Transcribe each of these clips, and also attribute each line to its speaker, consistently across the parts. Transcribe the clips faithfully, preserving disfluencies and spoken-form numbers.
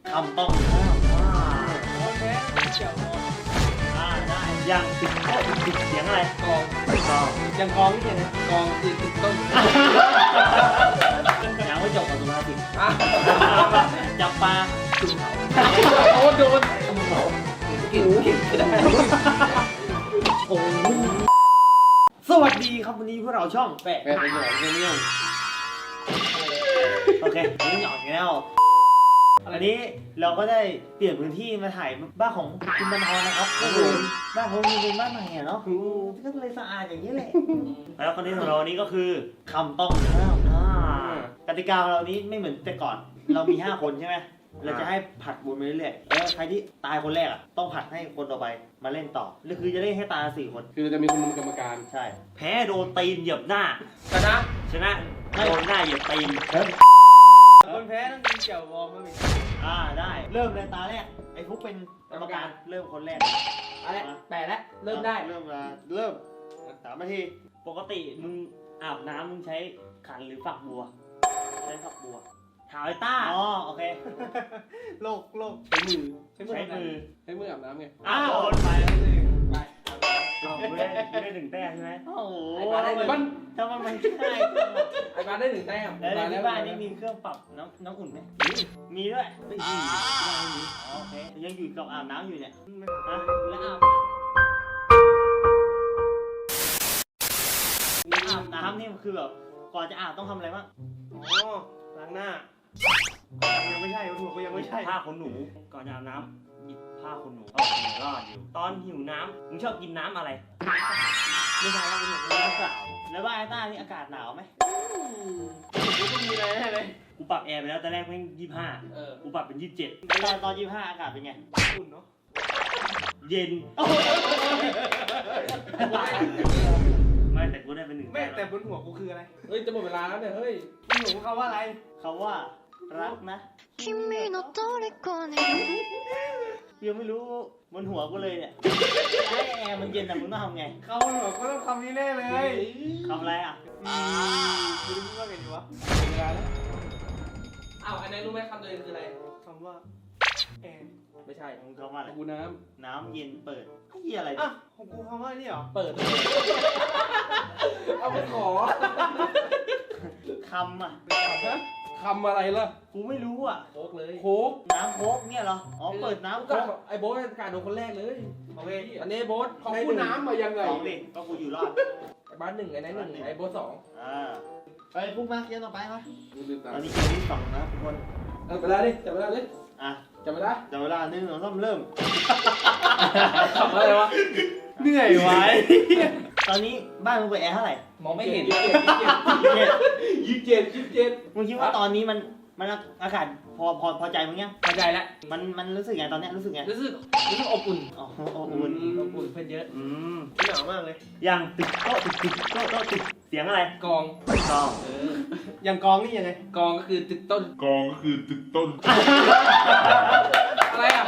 Speaker 1: คำต้องห้ามอ่า
Speaker 2: โอเคเกี่ยวกับ
Speaker 1: อ่าได้ยังติดโต๊ะติดเสียงอะไร
Speaker 2: กอง
Speaker 1: กอง
Speaker 2: ยังกองนี่ไงกองคือติดต้น
Speaker 1: ยังไม่จบกับสุภาษิต
Speaker 2: อ่ะ
Speaker 1: จับปลาจุ่มเขา
Speaker 2: โอ้โดนเขากินกินได้
Speaker 1: โอ้สวัสดีครับวันนี้พวกเราช่องแปะ
Speaker 2: แม่เป็นหยอกเนี่ย
Speaker 1: โอเควันนี้หยอกอีกแล้วอันนี้เราก็ได้เปลี่ยนพื้นที่มาถ่ายบ้านของคุณบรรทอนนะครับก็คือบ้านเขาเป็นบ้านใหม่อะเนาะก็เลยสะอาดอย่างนี้แหละแล้วคนนี้ของเราวันนี้ก็คือคำต้องห้ามอ่ากติกาของเรานี้ไม่เหมือนแต่ก่อน เรามีห้าคนใช่ไหมเราจะให้ผัดวนไปเรื่อยๆแล้วใครที่ตายคนแรกอ่ะต้องผัดให้คนต่อไปมาเล่นต่อหรือคือจะเล่นให้ตายสี่คน
Speaker 2: คือจะมีคนกรรมการ
Speaker 1: ใช่แพ้โดนตีนเหยียบหน้า
Speaker 2: ชนะ
Speaker 1: ชนะโดนหน้าเหยียบตีน
Speaker 2: คนแพ้ต้องกินเกี่ยววอร์มอีก
Speaker 1: อ่าได้เริ่มเลยตาแรกไอ้ฟุกเป็นกรรมการเริ่มคนแรก
Speaker 2: อะไรแปะแล้วเริ่มได้
Speaker 1: เริ่มมาเริ่มสามนาทีปกติมึงอาบน้ำมึงใช้ขันหรือฝักบัวใช้ฝักบัวถามไอ้ต้าอ๋อโอเค
Speaker 2: โลกโลกใช้มือ
Speaker 1: ใช้มือ
Speaker 2: ใช้มืออาบน้ำไง
Speaker 1: อ้าว
Speaker 2: โดนไปแล้วสิไป
Speaker 1: อ้าวไม่ได้ไม่ได้หนึ่งแต้มใช่ไหมโอ้โห
Speaker 2: ไอ้บ้าได้มัน
Speaker 1: ทำไมมันง่ายจังอะ
Speaker 2: ไอ้บ้าได้หนึ่งแต้ม
Speaker 1: แล้วในที่บ้านนี่มีเครื่องปรับน้ำน้ำอุ่นไหมมีมีด้วยไม่มีไม่มีอ๋อโอเคยังอยู่กับอาบน้ำอยู่เนี่ยฮะแล้วอาบอาบน้ำนี่มันคือแบบก่อนจะอาบต้องทำอะไรบ้าง
Speaker 2: อ๋อล้างหน้ายังไม่ใช่ถูกก็ยังไม่ใช่
Speaker 1: ผ้าขนหนูก่อนจะอาบน้ำหยิบผ้าขนหนูเอาไปรอดอยู่ตอนหิวน้ำมึงชอบกินน้ำอะไรไม่ใช่แล้วมึงอยากรู้เปล่าแล้วบ้านไอ้ต้านี่อากาศหนาวไหม
Speaker 2: กูต้องมีอะไรแน่เลย
Speaker 1: กูปรับแอร์ไปแล้วตอนแรกแม่งยี่สิบห้า
Speaker 2: เออ
Speaker 1: กูปรับเป็นยี่สิบเจ็ดตอนตอนยี่สิบห้าอากาศเป็นไง
Speaker 2: อุ่นเนาะ
Speaker 1: เย็นไม่แต่กูได้เป็นหนึ่ง
Speaker 2: แม่แต่บนหัวกูคืออะไรเฮ้ยจะหมดเวลาแล้วเนี่ยเฮ้ยบนหัวกูเขาว่าอะไร
Speaker 1: เขาว่ารักนะ
Speaker 3: 君の虜に
Speaker 1: ยังไม่รู้บนหัวกูเลยเนี่ยไอ้แอร์มันเย็นแต่มึงต้องทำไง
Speaker 2: เขาบนหัวก็ต้องคำนี้แน่เลย
Speaker 1: ทำอะไรอ่ะ
Speaker 2: อืมกูรู้ว่าไงดีวะเวลาแล้วอ้าวอันนี้รู้ไหมคำตัวเองคืออะไรคำว่าแอนไม่ใช่
Speaker 1: มึงคำว่าอะไร
Speaker 2: กูน้
Speaker 1: น้ำเย็นเปิดไอ้เหี้ยอะไร
Speaker 2: ำ
Speaker 1: เนี่ย
Speaker 2: อ่ะของกูคำว่านี่เหรอเปิดเอาไปขอ
Speaker 1: คำอ่ะ
Speaker 2: คำอะไรล่ะ
Speaker 1: กูไม่รู้อ่ะ
Speaker 2: โคกเลยโคก
Speaker 1: น้ำโค้กเนี่ยเหรออ๋อเปิดน้ำโค้ก
Speaker 2: ไอ้โบ๊ทการโดนคนแรกเลย
Speaker 1: โอเค
Speaker 2: อันนี้โบ๊ทของกูน้ำมายังไง
Speaker 1: สองดิก็กูอยู่รอด
Speaker 2: ไอ้บ้านหนึ่งไอ้นั่นหนึ่งไอ้โบ๊ทสอง
Speaker 1: อ่าไปพุ่งมาเกมต่อไปมา
Speaker 2: กูลืม
Speaker 1: ต
Speaker 2: ตา
Speaker 1: อนนี้เกมที่สองนะทุกคน
Speaker 2: เออไปแล้วดิจับเวลาดิ
Speaker 1: อ่ะ
Speaker 2: จับเวลา
Speaker 1: จับเวลาหนึ่งสองสามเริ่ม
Speaker 2: ขับอะไรวะเหนื่อยไว้
Speaker 1: ตอนนี้บ้านมึงเปิดแอร์เท่าไหร่
Speaker 2: มองไม่เห็นยี่สิบเจ็ดยี่สิบเจ็ด
Speaker 1: มึงคิดว่าตอนนี้มันมันอากาศพอพอพอใจมึงยัง
Speaker 2: เข้าใจแล้ว
Speaker 1: มันมันรู้สึกไงตอนเนี้ยรู้สึกไง
Speaker 2: รู้สึกรู้สึกอบอุ่น
Speaker 1: อ๋ออบอุ่น
Speaker 2: อบอุ่นเพื่อนเยอะ
Speaker 1: อืม
Speaker 2: หนาวมากเลย
Speaker 1: ยังติดโต๊ะติดติดโต๊ะโต๊ะติดเสียงอะไร
Speaker 2: กอง
Speaker 1: กอง
Speaker 2: เอออย่างกองนี่ยังไงกองก็คือตึกต้น
Speaker 4: กองก็คือตึกต้น
Speaker 2: อะไรอ่ะ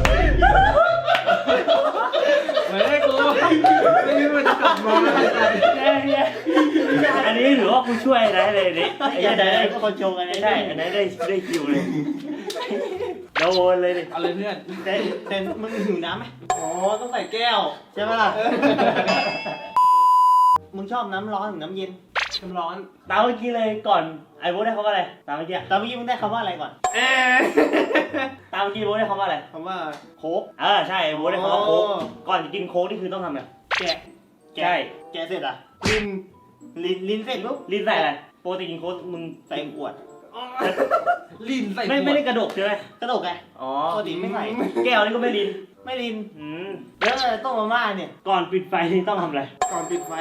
Speaker 2: เหมือนไอ้กูไม่รู้มันจะกลับมาอะไรกัน
Speaker 1: อันนี้ถือว่ากูช่วยนะเลยนี่ไอ้ยันได้ก็คนชงอันนี้ได้อันนี้ได้ได้คิวเลยโดนเลยดิ
Speaker 2: เอาเลยเพื่อน
Speaker 1: แต่แต่มึงหิวน้ำไหม
Speaker 2: อ๋อต้องใส่แก้ว
Speaker 1: ใช่ไหมล่ะมึงชอบน้ำร้อนหรือน้ำเย็น
Speaker 2: น้ำร้อน
Speaker 1: ตามเมื่อกี้เลยก่อนไอ้โบ๊ทได้คำว่าอะไรตามเมื่อกี้ตามเมื่อกี้มึงได้คำว่าอะไรก่อน
Speaker 2: เอ๊ะ
Speaker 1: ตามเมื่อกี้โบ๊ทได้คำว่าอะไร
Speaker 2: คำว่า
Speaker 1: โค้กเออใช่ไอ้โบ๊ทได้คำว่าโค้กก่อนจะกินโค้กนี่คือต้องทำไง
Speaker 2: แกะ
Speaker 1: ใช่แกะเสร็จอ่ะ
Speaker 2: กิน
Speaker 1: ลิ้นลิ้นเสร็จปุ๊บลิ้นใส่อะไรปกติกินโค้กมึงใส่ขวด
Speaker 2: ลิ้นใส่
Speaker 1: ไม่ไม่ได้กระดกใช่ไหมกระดกไง
Speaker 2: อ๋อ
Speaker 1: ปกติไม่ใส่แก้วนี่ก็ไม่ลิ้นไม่ลิ้นอืมแล้วต้มมาม่าเนี่ยก่อนปิดไฟนี่ต้องทำอะไร
Speaker 2: ก่อนปิดไฟ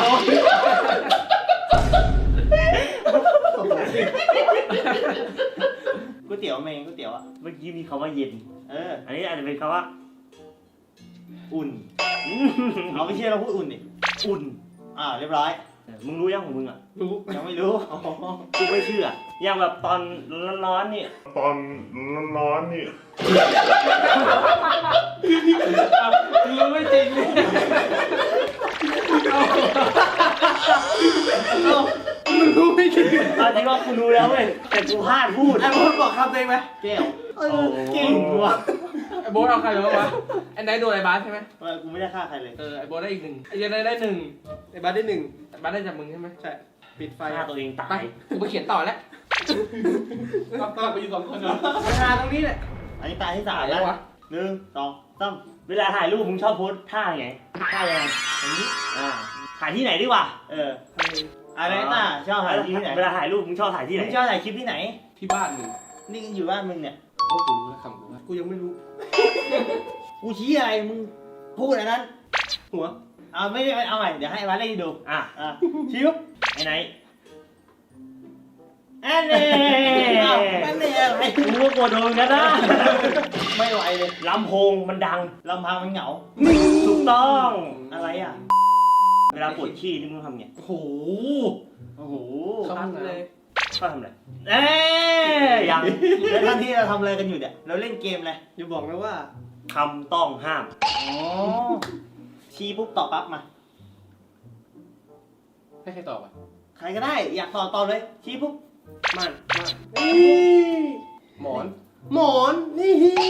Speaker 1: ก๋วยเตี๋ยวเมงก๋วยเตี๋ยวอ่ะเมื่อกี้มีคำว่าเย็นเอออันนี้อาจจะเป็นคำว่าอุ่นเอาไม่เชื่อเราพูดอุ่นดิอุ่นอ่าเรียบร้อยมึงรู้ยังของมึงอ่ะ
Speaker 2: รู้
Speaker 1: ยังไม่รู้กูไม่เชื่ออย่างแบบตอนร้อนๆนี่
Speaker 4: ตอนร้อนๆนี่
Speaker 2: รู้ไม่จริงเลยมึงรู้ไม่จริง
Speaker 1: ตอนนี้ว่ากูรู้แล้วเว้ยแต่กูพลาดพูด
Speaker 2: ไอ้พวกบอกคำตัวเองไหม
Speaker 1: แก้วเออแก้ววะ
Speaker 2: ไอ้โบ๊ทเอาใครบ้างวะไอ้ไนท์โดนไอ้บาสใช่ไหม
Speaker 1: เออกูไม่ได้ฆ่าใครเลย
Speaker 2: เออไอ้โบ๊ทได้อีกหนึ่งไอ้เจนได้หนึ่งไอ้บาสได้หนึ่งไอ้บาสได้จากมึงใช่ไหมใช่ปิดไฟ
Speaker 5: ฆ่าตัวเองตา
Speaker 2: ไป
Speaker 5: ย
Speaker 2: กูไปเขียนต่อแล้วต้องต้องไปอยู่สองคนเนาะเวลาตรงนี้แหละ
Speaker 1: อันนี้ตายที่สาม
Speaker 2: แล้
Speaker 1: แล้ว ว
Speaker 2: วะ
Speaker 1: หนึ่งสองสาม
Speaker 5: เวลาถ่ายรูปมึงชอบโพสท่าไง
Speaker 1: ฆ่ายังไงอย่างนี้
Speaker 5: อ่าถ่ายที่ไหนดีวะ
Speaker 1: เอออะไรต้าชอบถ่ายที่ไหน
Speaker 5: เวลาถ่ายรูปมึงชอบถ่ายที่ไหน
Speaker 1: มึงชอบถ่ายคลิปที่ไหน
Speaker 2: ที่บ้านมึง
Speaker 1: นี่อยู่บ้านมึงเนี่ย
Speaker 2: โอ้กูรู้แล้วคำกูว่ากูยังไม่รู้
Speaker 1: กูชี้อะไรมึงพูดอันนั้น
Speaker 2: หัว
Speaker 1: เอาไม่ได้เอาใหม่เดี๋ยวให้มาเล่นดู
Speaker 5: อ่ะ
Speaker 1: อ่ะชี้ปุ๊บ
Speaker 5: ไอ้ไหน
Speaker 1: อันนี้อ้าวอันนี้อะไร
Speaker 5: กูก็กลัวโดนกันนะ
Speaker 1: ไม่ไหวเลย
Speaker 5: ลำโพงมันดัง
Speaker 1: ลำพังมันเหงา
Speaker 5: ถูกต้อง
Speaker 1: อะไรอ่ะ
Speaker 5: เวลาปวดขี้นี่มึงทำไง
Speaker 2: โอ้โห
Speaker 1: โอ้โห
Speaker 2: เข้าห้องน้ำเลย
Speaker 5: ก็ทำอะไรเอ๊ยยัง
Speaker 1: แล้วท่านที่เราทำอะไรกันอยู่เนี่ยเราเล่นเกมอะไร
Speaker 2: อย่าบอกนะว่า
Speaker 5: คำต้องห้าม
Speaker 1: อ๋อชี้ปุ๊บตอบปั๊บมา
Speaker 2: ให้ใครตอบอ่ะ
Speaker 1: ใครก็ได้อยากตอบตอบเลยชี้ปุ๊บ
Speaker 2: มันมันหมอน หมอน นี่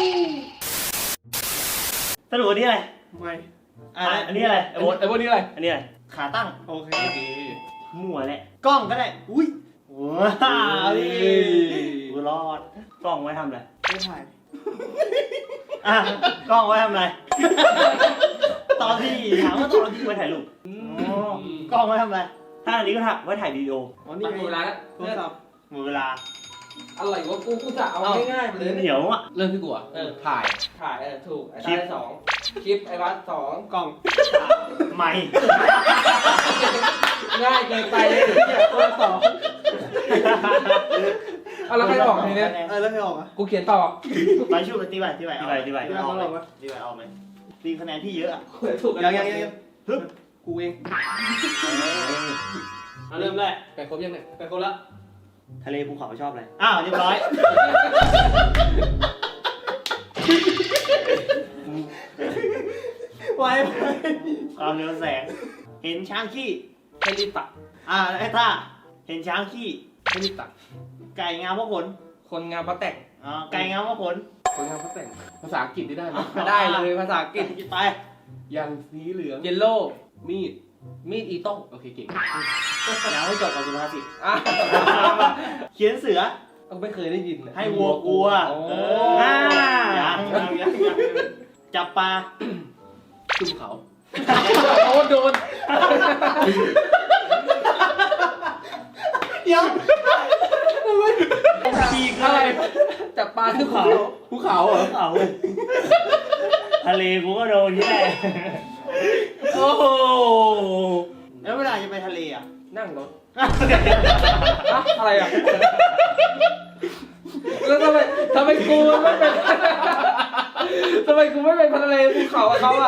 Speaker 5: สรุปอันนี้อะไร
Speaker 2: ไม่
Speaker 1: อ่ะ
Speaker 5: อ่ะอันนี้อะไร
Speaker 2: ไอ้โบ๊ทไอ้โบ๊ทนี่อะไร
Speaker 5: อันนี้อะไร
Speaker 1: ขาตั้ง
Speaker 2: โอเค
Speaker 5: มั่วแหละ
Speaker 1: กล้องก็ได้อุ้ยว้าวดิกูรอด
Speaker 5: กล้องไว้ทำอะไร
Speaker 2: ไม่ถ่าย
Speaker 1: อ่ะกล้องไว้ทำอะไรตอนที่ถามว่าตอนที่
Speaker 5: ไว้ถ่ายรูป
Speaker 1: อ๋อกล้องไว้ทำอะไร
Speaker 5: ถ้าอันนี้ก็ถ่ายไว้ถ่ายวิดีโอ
Speaker 2: อ๋อนี่ไงร้านโทรศัพท์
Speaker 1: หมดเวลา
Speaker 2: อะไรวะกูกูจะเอาง่ายๆไปเลย
Speaker 5: เหนียวอ่ะ
Speaker 2: เริ่มที่กูอ่ะเออถ่าย ถ่ายเออถูกไอ้
Speaker 5: คลิป
Speaker 2: ได้สองคลิปไอ้วัดสองกล่อง
Speaker 5: ไม่
Speaker 2: ง่ายเกินไปเลยเนี่ยตัวสองเอาแล้วใครบอกทีเนี้ย
Speaker 1: เออแล้วใครออกอ่ะ
Speaker 2: กูเขียนต่อ
Speaker 1: ไปชูกันตีไปตีไป
Speaker 5: ที่ไหนที่ไหน
Speaker 1: ตีไปออกไหมตีไปออกไหมตีคะแนนพี่เยอะอ่ะ
Speaker 2: ถูก
Speaker 1: ยังยังยังฮึบ
Speaker 2: กูเอง
Speaker 5: เอาเริ่มแรก
Speaker 2: ไปครบยังเนี่ยไปครบละ
Speaker 5: ทะเลภูเขาชอบอะไร
Speaker 1: อ้าวเรียบร้อยไว้ความเร็วแสง เห็นช้างขี้
Speaker 2: ให้รีบตัด
Speaker 1: อ่าไอ้ท่าเห็นช้างขี้
Speaker 2: ให้รีบตัด
Speaker 1: ไก่งามเพราะขน
Speaker 2: คนงานพระแต่ง
Speaker 1: อ่าไก่งามเพราะขน
Speaker 2: คนงานพระแต่งภาษาอังกฤษได้ไหมได้เลยภาษาอังกฤษ
Speaker 1: ไป
Speaker 2: อย่างสีเหลืองเยลโล่มีดมีดอีโต้โอเคเก่ง
Speaker 1: ยังไม่จบกับสุภาษิต
Speaker 2: อ่ะ
Speaker 1: เขียนเสือ
Speaker 2: เอาไม่เคยได้ยินเลย
Speaker 1: ให้วัวกลัว
Speaker 2: โอ้
Speaker 1: เออยังยังยังยังจับปลา
Speaker 2: จุ่มเขาโอ้โดน
Speaker 1: ยัง
Speaker 5: ฉีก
Speaker 2: อะไรจับปลาขึ้นเขาภูเขาเหรอ
Speaker 5: ภูเขาทะเลกูก็โดนที่แหละ
Speaker 2: โอ้โห
Speaker 1: แล้วเวลาจะไปทะเลอ่ะ
Speaker 2: นั่งรถอะอะไรอ่ะแล้วทำไมทำไมกูไม่เป็นทำไมกูไม่เป็นทะเลภูเขากับเขาอ่ะ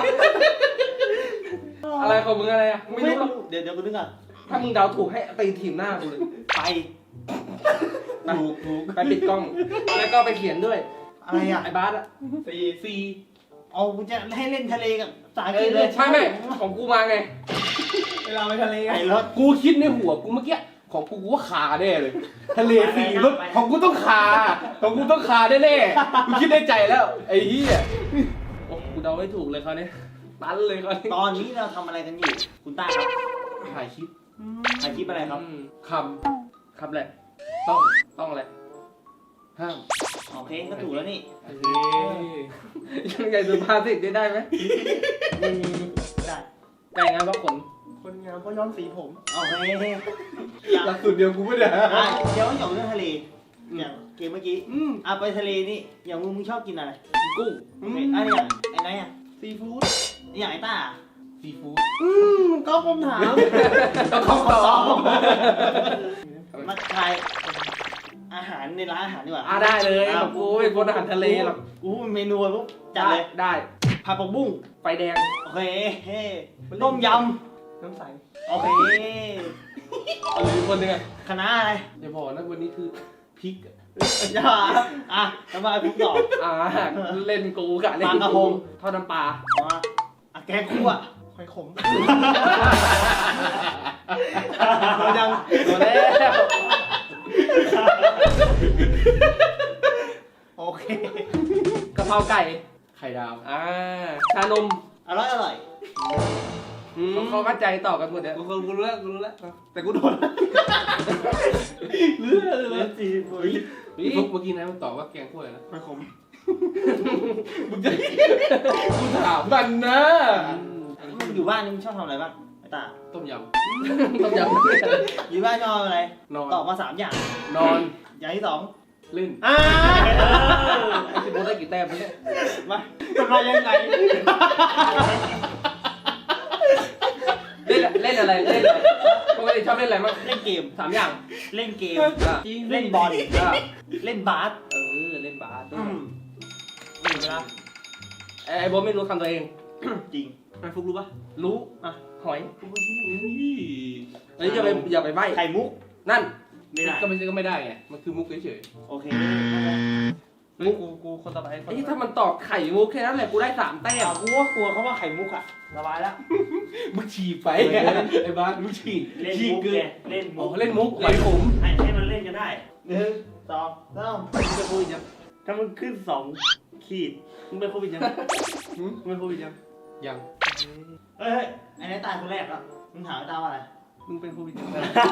Speaker 2: อะไรของมึงอะไรอ่ะไม่รู้หรอก
Speaker 1: เดี๋ยวเดี๋ยวกูนึกก่อน
Speaker 2: ถ้ามึงเดาถูกให้ตีทีมหน้ากูเลย
Speaker 1: ไป
Speaker 2: ถูกถูกไปปิดกล้อง แล้วก็ไปเขียนด้วย
Speaker 1: อะไรอ่ะ
Speaker 2: ไอ้บาสอ่ะซีซี
Speaker 1: เอากูจะให้เล่นทะเลกับสา
Speaker 2: เอ
Speaker 1: กิ
Speaker 2: อน
Speaker 1: เลย
Speaker 2: ไม่ไม่ของกูมาไง
Speaker 1: เวลาไปทะเลไงรถ
Speaker 2: กูคิดในหัวกูเมื่อกี้ของกูกูว่าขาแน่เลย ทะเลสีรถของกูต้องขาของกูต้องขาแน่ๆกูคิดในใจแล้วไอ้เหี้ยโอ้กูเดาไม่ถูกเลยเขาเนี่ยตันเลยเขาเนี่ย
Speaker 1: ตอนนี้เราทำอะไรกันอยู่ คุณต้าครับ
Speaker 2: ถ่ายคลิป
Speaker 1: ถ่ายคลิปอะไรครับ
Speaker 2: อืมคำคำแหละต้องต้องอะไรห้าม
Speaker 1: โอเคก็ถูกแล้วนี่
Speaker 2: เอ้ยยังไงสุภาษิตได้ไหม
Speaker 1: ได้
Speaker 2: ไก่งานเพราะขน
Speaker 1: คนงามก็ย้อมสีผมโอเค
Speaker 2: หลักสูตรเดียวกูไม่ได้
Speaker 1: อ่ะเดี๋ยวจบเรื่องทะเลอย่างเกมเมื่อกี้
Speaker 2: อืม
Speaker 1: อ่ะไปทะเลนี่อย่างมึงมึงชอบกินอะไร
Speaker 2: กุ้ง
Speaker 1: โอเคอันนี้อย่างไอ้ไหนอ่ะ
Speaker 2: ซีฟู้ด
Speaker 1: อย่างไอ้ต้า
Speaker 2: ซีฟู้ด
Speaker 1: อืมก็คำถาม
Speaker 2: ต้องเข้าตอบ
Speaker 1: มาทายอาหารในร้านอาหารดีกว่า
Speaker 2: อ่ะได้เลยของกูเป็นคนอาหารทะเลหรอก
Speaker 1: กูเป็นเมนูปุ๊บจัดเลย
Speaker 2: ได้
Speaker 1: ผัดผักบุ้ง
Speaker 2: ไฟแดง
Speaker 1: โอเคต้มย
Speaker 2: น้ำใส
Speaker 1: ำโอเค
Speaker 2: เอาเลยคนหนึ่งอะ
Speaker 1: คณะอะไร
Speaker 2: อย่าบอกนะวันนี้คือพริกอะ
Speaker 1: อย่าอ่ะทำไมผมตอบ
Speaker 2: อ่าเล่นกูกะเล่น
Speaker 1: ปลากระพง
Speaker 2: ทอดน้ำปลา
Speaker 1: มาอ่ะแกงคั่ว
Speaker 2: หอยขม
Speaker 1: โดนยัง
Speaker 2: โดนแล้ว
Speaker 1: โอเค
Speaker 2: กะเพราไก่ไข่ดาวอ่าชานม
Speaker 1: อร่อยอร่อย
Speaker 2: เขาเขาเข้าใจต่อกันหมดเนี่ยกูกูรู้แล้วกูรู้แล้วแต่กูโดนเลือดเลย
Speaker 1: สี่สิบ
Speaker 2: พี่ฟุกเมื่อกี้นะมันตอบว่าแกงคั่วอะไรนะ
Speaker 1: ไม่ขม
Speaker 2: มึงจะกูถามมันนะ
Speaker 1: มึงอยู่บ้านนี่มึงชอบทำอะไรบ้างไอ้ตา
Speaker 2: ต้มยำต้มยำ
Speaker 1: อยู่บ้านชอบอะไร
Speaker 2: นอน
Speaker 1: ตอบมาสามอย่าง
Speaker 2: นอน
Speaker 1: อย่างที่สอง
Speaker 2: เล่น
Speaker 1: อ่า
Speaker 2: ไอ้สิบโมได้กี่แต้มเนี่ย
Speaker 1: มามันมายังไง
Speaker 2: เล่นเล่นอะไรเล่นอะไรปกติชอบเล่นอะไรบ้าง
Speaker 1: เล่นเกม
Speaker 2: สามอย่าง
Speaker 1: เล่นเกม
Speaker 2: อ่ะ
Speaker 1: เล่นบอล
Speaker 2: อ่ะ
Speaker 1: เล่นบาส
Speaker 2: เออเล่นบาส
Speaker 1: อืมนี่เวลา
Speaker 2: ไอ้ไอ้โบทไม่รู้คำตัวเอง
Speaker 1: จริงไอ้ฟุกรู้ปะ
Speaker 2: รู้อ่ะหอยเฮ้ยอย่าไปอย่าไปใบ้
Speaker 1: ไข่มุก
Speaker 2: นั่น
Speaker 1: ไม่ได้
Speaker 2: ก็ไม่ก็ไม่ได้ไงมันคือมุกเฉย
Speaker 1: โอเคไม่ได้
Speaker 2: ๆมุกกูกูคนต่อไปไอ้ถ้ามันตอบไข่มุกแค่นั้นแหละกูได้สามแต้
Speaker 1: แต่
Speaker 2: ม
Speaker 1: กูว่ากลัวเขาว่าไข่มุกอะสบายแล้ว
Speaker 2: มึงฉีกไปไอ้บ้านมึงฉีก
Speaker 5: เล่น
Speaker 2: ฉีก
Speaker 5: มุก
Speaker 2: เกิ
Speaker 5: ไง
Speaker 2: น
Speaker 5: เล่น
Speaker 2: อ๋
Speaker 5: มุ
Speaker 2: อก เล่นมุกหอยขม
Speaker 5: ให้ให้มันเล่นกันได้
Speaker 1: หนึ่งสองสาม
Speaker 2: มึงจะพูดยัง
Speaker 5: ถ้ามันขึ้นสองขีดมึงเป็นโควิดยังมึงเป็นโควิดยัง
Speaker 2: ยัง
Speaker 1: เฮ้ยเฮ้ยไอ้นายตายคนแรกแล้วมึงถามไอ้ตาว่าอะไร
Speaker 2: มึงเป็นโควิดยัง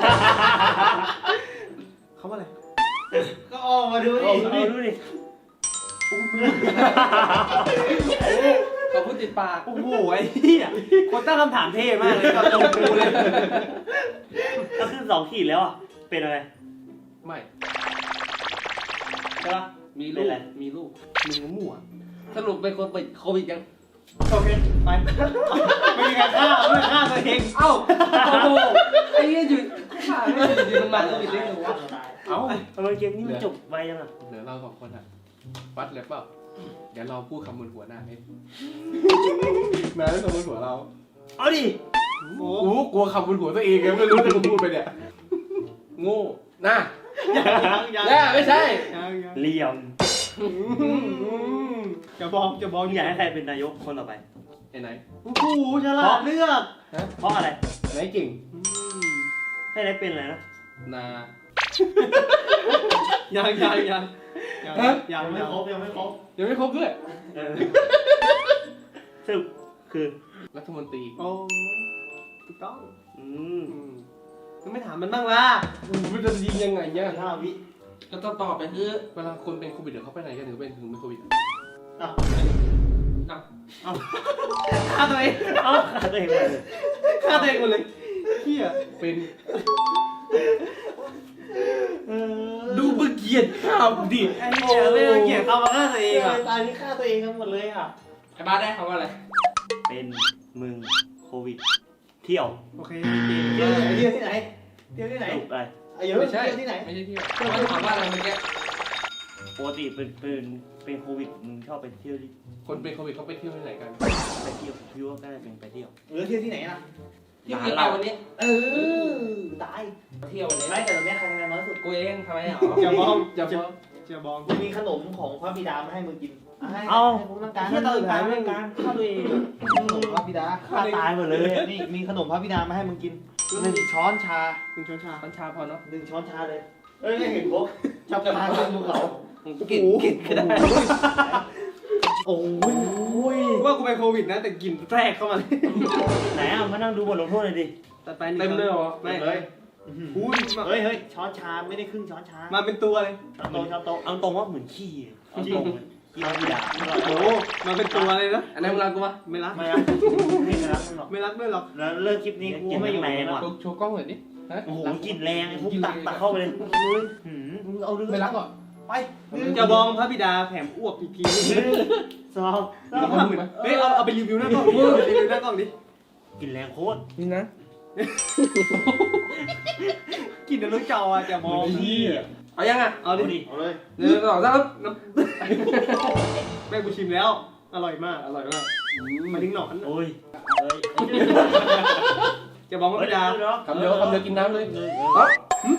Speaker 2: เขาว่าอะไร
Speaker 1: ก็ออกมาดูดิ
Speaker 5: เอาดูดิดูดิ
Speaker 2: เขาพูดติดปาก
Speaker 1: โอ้โหไอ้เหี้ยคนตั้งคำถามเท่มากเลยตอนตรงกูเลย
Speaker 5: ถ้าขึ้นสองขีดแล้วอ่ะเป็นอะไร
Speaker 2: ไม่
Speaker 5: ใช่ปะ
Speaker 2: มี
Speaker 5: เป็
Speaker 2: ลู
Speaker 5: น
Speaker 2: ก
Speaker 5: อะไร
Speaker 2: มีลูกมึงมั่วสรุปเป็นคนติดโควิดยัง
Speaker 1: โอเคไปไม่มีการฆ่าไม่ฆ่าตัวเอง
Speaker 2: เอ้าโอ้โหไอ้เหี้ยอยู่ขาไม่อยู่ดีมันมาโควิดได้ไงวะเอ้า
Speaker 5: ทำไมเกมนี้มันจบไวยังอ่ะ
Speaker 2: เหลือเราสองคนอ่ะวัดเลยเปล่าเดี๋ยวเราพูดคำบนหัวหน้าเองนายไม่คำบนหัวเรา
Speaker 5: เอาดิ
Speaker 2: โอ้โหกลัวคำบนหัวตัวเองไงไม่รู้จะพูดไปเนี่ยโง่น่า
Speaker 1: ยังยัง
Speaker 2: แย่ไม่ใช่
Speaker 1: ยังยัง
Speaker 5: เหลี่ยม
Speaker 1: จะบอกจะบอก
Speaker 5: มึงอยากให้ใครเป็นนายกคนต่อไป
Speaker 2: ไอ้ไหน
Speaker 1: โอ้โหฉลาดเลือก
Speaker 5: เพราะอะไร
Speaker 2: ไหนเก่ง
Speaker 5: ให้ได้เป็นอะไรนะ
Speaker 2: นา
Speaker 1: ยังยังยังยัง
Speaker 2: ฮะ
Speaker 1: ยังไม่ครบยังไม่ครบ
Speaker 2: ยังไม่ครบด้วย
Speaker 5: เออสรุปคือ
Speaker 2: รัฐมนตรี
Speaker 1: โอ้ถูกต้อง
Speaker 5: อืม
Speaker 2: อืม
Speaker 1: ยังไม่ถามมันบ้างล่ะ
Speaker 2: มันจะยิงยังไงเนี่ย
Speaker 1: ห้าวิ
Speaker 2: ก็ต้องตอบไปคือเวลาคนเป็นโควิดเดี๋ยวเขาไปไหนกันถึงเป็นถึงเป็นโควิดอ่ะ
Speaker 1: อ่ะ
Speaker 2: อ่ะ
Speaker 1: ฆ่าตัวเอง
Speaker 5: เอ้าขาตัวเองเลย
Speaker 1: ฆ่าตัวเองหมดเลยเฮีย
Speaker 2: เป็น
Speaker 1: เออ
Speaker 2: ดูมึงเกลียดข้าวดิ
Speaker 1: ไอ้เหี้ยไม่ต้องเกลียดเขามาฆ่าตัวเองอ่ะตายนี่ฆ่าตัวเองทั้งหมดเลยอ่ะ
Speaker 2: ไอ้บ้าได้คำว่าอะไร
Speaker 5: เป็นมึงโควิด เที่ยว
Speaker 1: โอเคเที่ยวที่ไหนเที่ยวที่ไหนเที่ยวที่ไหน
Speaker 5: สรุปอะไร
Speaker 1: ไอ้เยอะ
Speaker 2: ไม่ใช่
Speaker 1: เที่ยวที่ไหน
Speaker 2: ไม่ใช่เที่ยวเขาถามว่าอะไรเมื่อกี้
Speaker 5: ปกติเป็นเป็นเป็นโควิดมึงชอบไปเที่ยวที่
Speaker 2: คนเป็นโควิดเขาไปเที่ยวที่ไหนกัน
Speaker 5: ไปเที่ยวพี่ว่าก็เป็นไปเที่ยว
Speaker 1: เออเที่ยวที่ไหนล่ะ
Speaker 2: เที่ยวเราวันนี้
Speaker 1: เออตาย
Speaker 2: เที่ยววันนี้
Speaker 1: ไม่แต่ตอนนี้ใครคะแนนน้อยสุด
Speaker 2: กูเองทำไมอ่ะ
Speaker 1: อย่ามอง
Speaker 2: อย่ามอง
Speaker 1: เจียบองกูมีขนมของพระบิดามาให้มึงกินให้
Speaker 5: เอา
Speaker 1: ให้ผมต้องการ
Speaker 5: เที่ยว
Speaker 1: ให้
Speaker 5: ตื่น
Speaker 1: กา
Speaker 5: ตาย
Speaker 1: ร
Speaker 5: ไม่
Speaker 1: ไม่
Speaker 5: กา
Speaker 1: การ
Speaker 5: รฆ่าตัวเอง
Speaker 1: ขนมพระบิดา
Speaker 5: ฆ่าตายหมดเลย
Speaker 1: นี่มีขนมพระบิดามาให้มึงกินหนึ่งช้อนชาหนึ่งช้อนชา
Speaker 2: พันชาพอเนาะ
Speaker 1: หนึ่งช้อนชาเลยเอ้ยไม่เห็นพวกชอบทานขึ้นภูเขา
Speaker 2: กินกินก็ได้
Speaker 1: โอ้ยว่ากูเป็นโควิดนะแต่กลิ่นแทรกเข้ามาเลย
Speaker 5: ไหนอ่ะมานั่งดูบทลงโทษหน่อยดิ
Speaker 1: ตัดไป
Speaker 2: เต็มเลยเหรอ
Speaker 1: ไม่
Speaker 2: เลย
Speaker 1: อุ้ย
Speaker 5: เฮ้ยเฮ้ยช้อนชาไม่ได้ครึ่งช้อนชา
Speaker 1: มาเป็นตัวเลย
Speaker 5: ช้อนโตช้อนโตเอาตรงว่าเหมือนขี้เอาตรงขี้เราไม่ด่า
Speaker 1: โอ้โหมาเป็นตัวเลยนะ
Speaker 2: อันนั้นมึงรักกูปะ
Speaker 1: ไม่รัก
Speaker 5: ไม่รักไม่รักมึงหรอก
Speaker 1: ไม่รักด้วยหรอก
Speaker 5: แล้วเลิกคลิปนี้กูไม่อยู่ในว่ะ
Speaker 2: โชว์โชว์กล้องหน่อยดิฮะ
Speaker 5: โอ้โหกลิ่นแรงไอ้พวกตักตักเข้าไปเลยหืมมึงเอาเรื่อง
Speaker 2: ไม่รักหรอ
Speaker 1: ไปจะบองพระบิดาแถมอ้วกอีกที
Speaker 5: สอง
Speaker 1: เฮ้ยเอาเอาไปรีวิวหน้ากล้องดิรีวิวหน้ากล้องดิ
Speaker 5: กลิ่นแรงโคตร
Speaker 2: นี่นะ
Speaker 1: กินในรถจออ่ะจะมอง
Speaker 2: เอายังอ่ะ
Speaker 1: เอาดิ
Speaker 5: เอาเลย
Speaker 2: หนึ่งสองสาม
Speaker 1: แม่กูชิมแล้ว อร่อยมาก อร่อยมากมาดิ้งหนอน
Speaker 5: โอ้ย
Speaker 1: จะบอกว่าพระบิดา
Speaker 2: คำเดียวคำเดียวกินน้ำเลย
Speaker 5: เฮ้ย
Speaker 2: อ๋อ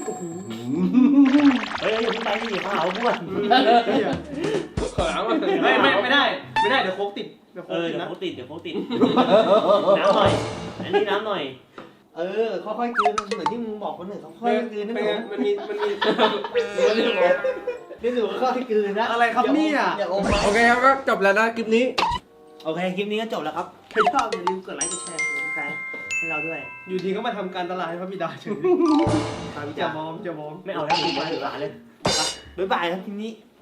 Speaker 5: เฮ้ยอย่าเพิ่งไปดิข้าวพวก
Speaker 2: ขอน้ำมา
Speaker 1: ไม่ไม่ไม่ได้ ไม่ได้เดี๋ยวโคกติดเดี๋ยวโค
Speaker 5: เอก อ
Speaker 1: ติด
Speaker 5: เดี๋ยว
Speaker 1: นะ
Speaker 5: เขาติดเดี๋ยวเขาติดน้ำหน่อยอันนี้น้ำหน่อย
Speaker 1: เออค่อยๆกลืนเหมือนที่มึงบอกคนอื่นเขาค่อยๆกลืนนั่น
Speaker 2: เป็น
Speaker 1: เอ
Speaker 2: ไง
Speaker 1: ง
Speaker 2: มันมีมันมี
Speaker 1: เดี๋ยวพี่สูค่อยๆกลืนนะ
Speaker 2: อะไรครับเนี่ย
Speaker 1: อย่าอมอย่าอม
Speaker 2: โอเคครับก็จบแล้วนะคลิปนี้
Speaker 1: โอเคคลิปนี้ก็จบแล้วครับถ้าชอบอย่าลืมกดไลค์กดแชร์กดติดตามให้เราด้วย
Speaker 2: อยู่ดีก็มาทำการตลาดให้พระบิดาเฉย
Speaker 1: ตามพี่
Speaker 2: จะ
Speaker 1: จ๋าม
Speaker 2: องจะมอง
Speaker 5: ไม่เอาแล้วกูไปถึงร้านเลย
Speaker 1: บ๊ายบายครับคลิปนี้